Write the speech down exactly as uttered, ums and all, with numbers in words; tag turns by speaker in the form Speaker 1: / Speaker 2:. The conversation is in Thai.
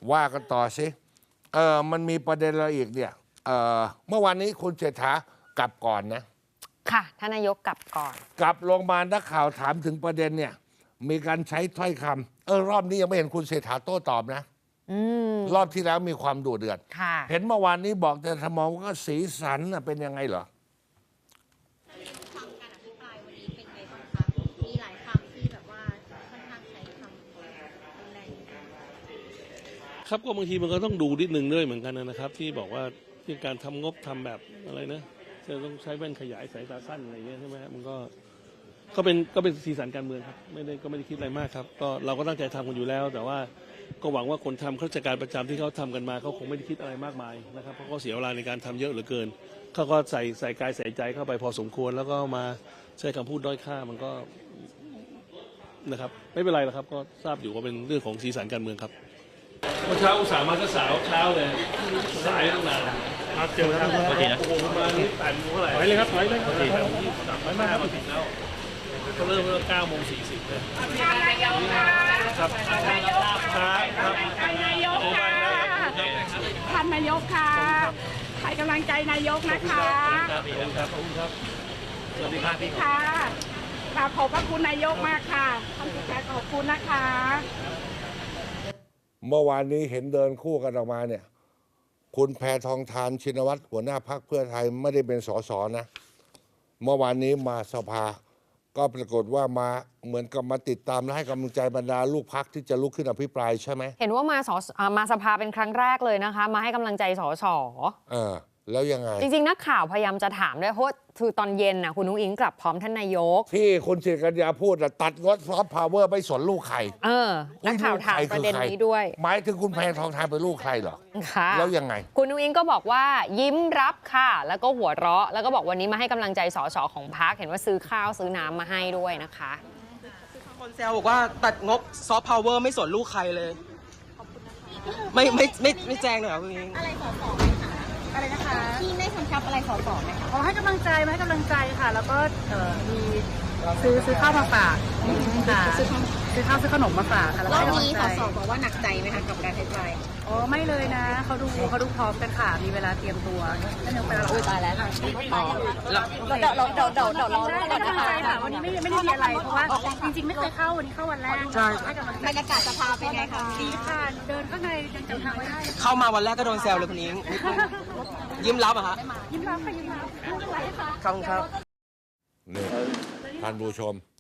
Speaker 1: ว่ากันต่อสิเออมันมีประเด็นอะไรอีกเนี่ยเออเมื่อวานนี้คุณเศรษฐากลับก่อนนะ
Speaker 2: ค่ะท่านนายกกลับก่อน
Speaker 1: กลับลงมานักข่าวถามถึงประเด็นเนี่ยมีการใช้ถ้อยคำเออรอบนี้ยังไม่เห็นคุณเศรษฐาโต้ตอบนะรอบที่แล้วมีความดุเดือดเห็นเมื่อวานนี้บอกแต่ทมองว่าสีสันเป็นยังไงเหรอ
Speaker 3: ฟังการอภิปรายวันนี้เป็นไงบ้างคะมีหลายคำที่แบบว่าค่อนข้างใช้คำแรง
Speaker 4: ครับก็บางทีมันก็ต้องดูนิดนึงด้วยเหมือนกันนะครับที่บอกว่าที่การทำงบทำแบบอะไรนะจะต้องใช้แว่นขยายสายตาสั้นอะไรเงี้ยใช่ไหมครับมันก็ก็เป็นก็เป็นสีสันการเมืองครับไม่ได้ก็ไม่ได้คิดอะไรมากครับก็เราก็ตั้งใจทำกันอยู่แล้วแต่ว่าก็หวังว่าคนทำข้าราชการประจำที่เขาทำกันมาเขาคงไม่ได้คิดอะไรมากมายนะครับเพราะเขาเสียเวลาในการทำเยอะเหลือเกินเขาก็ใส่ใส่กายใส่ใจเข้าไปพอสมควรแล้วก็มาใช้คำพูดด้อยค่ามันก็นะครับไม่เป็นไรหรอกครับก็ทราบอยู่ว่าเป็นเรื่องของสีสันการเมืองครับเมื่อเช้าอุตส่าห์มาก็สาวเช้าเลยสายตั้งนานครับเจอครับโอเคนะโอ้โหมานี่แปดโมงเท่าไหร่ไปเลยครับไปเลยโอเคครับยี่สิบสามไปมามาถึงแล้วก็เริ่มเริ่มเก้าโมงสี่สิบเลยครับท่านนายกค่ะท่านนายกค่ะ
Speaker 5: ท่านนายกค่ะให้กำลังใจนายกนะคะ
Speaker 4: ขอบคุณครับขอบคุณครับสวัสดีครับพี่
Speaker 5: ค่ะขอบพระคุณนายกมากค่ะท่านผู้แทนขอบคุณนะคะ
Speaker 1: เมื่อวานนี้เห็นเดินคู่กันออกมาเนี่ยคุณแพทองธารชินวัตรหัวหน้าพรรคเพื่อไทยไม่ได้เป็นสสนะเมื่อวานนี้มาสภาก็ปรากฏว่ามาเหมือนกับมาติดตามและให้กำลังใจบรรดาลูกพรรคที่จะลุกขึ้นอภิปรายใช่ไหม
Speaker 2: เห็นว่ามาสมาสภาเป็นครั้งแรกเลยนะคะมาให้กำลังใจสส
Speaker 1: เออแล้วยังไง
Speaker 2: จริงๆนักข่าวพยายามจะถามด้วยเพราะคือตอนเย็นนะคุณนุ้งอิงกลับพร้อมท่านนายก
Speaker 1: ที่คุณศิริกัญญาพูดตัดงดซอฟต์พาวเวอร์ไม่สนลูกใคร
Speaker 2: เออนักข่าวถามประเด็นนี้ด้วย
Speaker 1: หมายถึงคุณแพทองธารเป็นลูกใครเหรอ
Speaker 2: ค่ะ
Speaker 1: แล้วยังไง
Speaker 2: คุณนุ้งอิงก็บอกว่ายิ้มรับค่ะแล้วก็หัวเราะแล้วก็บอกวันนี้มาให้กำลังใจสสของพรรคเห็นว่าซื้อข้าวซื้อน้ำมาให้ด้วยนะคะ
Speaker 6: คนแซวบอกว่าตัดงบซอฟต์พาวเวอร์ไม่สนลูกใครเลยไม่ไม่ไม่ไม่แจ้งเลยเหรอคุณอิง
Speaker 3: อะไรสอสออะไรนะคะที่ไม่กำชับอะไรสอสอไหมคะ
Speaker 5: ขอให้กำลังใจมาให้กำลังใจค่ะแล้วก็มีซื้อซื้อข้าวมาฝากค่ะซื้อข้าวซื้อขนมมาฝากค่ะ
Speaker 3: รอบนี้สอสอบอกว่าหนักใจไหมคะกับการใช้จ่าย
Speaker 5: อ๋อไม่เลยนะเขาดูเขาดูพร้อมกันค่ะมีเวลาเตรียมตัวนั่นเองไปแล้ว
Speaker 3: อุ้ยตายแล้ว
Speaker 5: อ๋อ
Speaker 3: เดี๋ยวเราเดี๋ยวเดี๋ยวเดี๋ยวรอ
Speaker 5: ได้กำลังใจค่ะวันนี้ไม่ไม่ได้มีอะไรเพราะว่าจริงๆไม่เคยเข้าวันนี้เข้าวันแรก
Speaker 6: ใช่
Speaker 3: บรรยากาศสภาเป็นไงคะ
Speaker 5: ดีค่ะเดินข้างในยังจำทางไว้ได้
Speaker 6: เข้ามาวันแรกก็โดนแซวเลยคุณอิงยิ้มรับอะฮะ
Speaker 5: ยิ้มรับค่ะยิ้มรับ
Speaker 6: ขอบคุณครับ
Speaker 1: นี่ท่านผู้ชม